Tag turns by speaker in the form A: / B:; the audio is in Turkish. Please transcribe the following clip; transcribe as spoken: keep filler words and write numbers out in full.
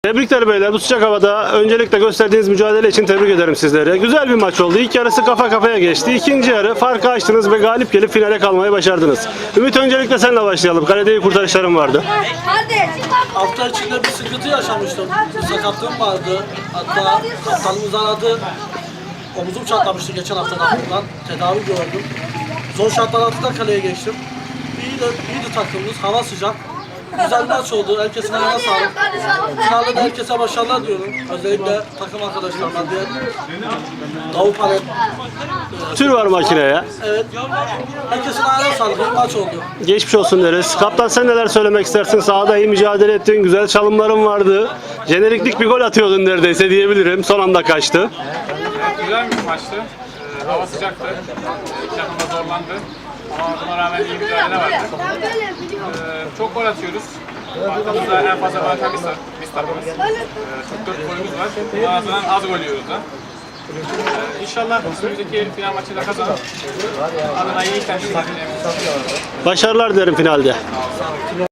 A: Tebrikler beyler, bu sıcak havada öncelikle gösterdiğiniz mücadele için tebrik ederim sizleri. Güzel bir maç oldu. İlk yarısı kafa kafaya geçti. İkinci yarı farkı açtınız ve galip gelip finale kalmayı başardınız. Ümit, öncelikle seninle başlayalım. Kalede iyi kurtarışların vardı.
B: Hafta içinde bir sıkıntı yaşamıştım. Bir sakatlığım vardı. Hatta kaptanımız aradı. Omuzum çatlamıştı geçen haftadan. Tedavi gördüm. Zor şartlar altında kaleye geçtim. İyi de, iyiydi takımımız. Hava sıcak. Güzel bir maç oldu. Herkesin ayağına sağlık. Finalde de herkese başarılar diyorum. Özellikle takım arkadaşlarıma diye. Davut Palet.
A: Tür var makineye.
B: Evet. Herkesin ayağına sağlık. Bir maç oldu.
A: Geçmiş olsun deriz. Kaptan, sen neler söylemek istersin? Sahada iyi mücadele ettin. Güzel çalımların vardı. Jeneriklik bir gol atıyordun neredeyse diyebilirim. Son anda kaçtı.
C: Evet, güzel bir maçtı. Ee, hava sıcaktı. İki takım da zorlandı. Ama buna rağmen iyi mücadele vardı. Ee, çok gol atıyoruz. Arkamızda en fazla gol atan biz, biz takımız. Ee, çok dört golümüz var. Buna nazaran az gol yiyoruz da. Ee, İnşallah önümüzdeki final maçı da kazanıp adına iyi temsil edeceğimizi.
A: Başarılar dilerim finalde.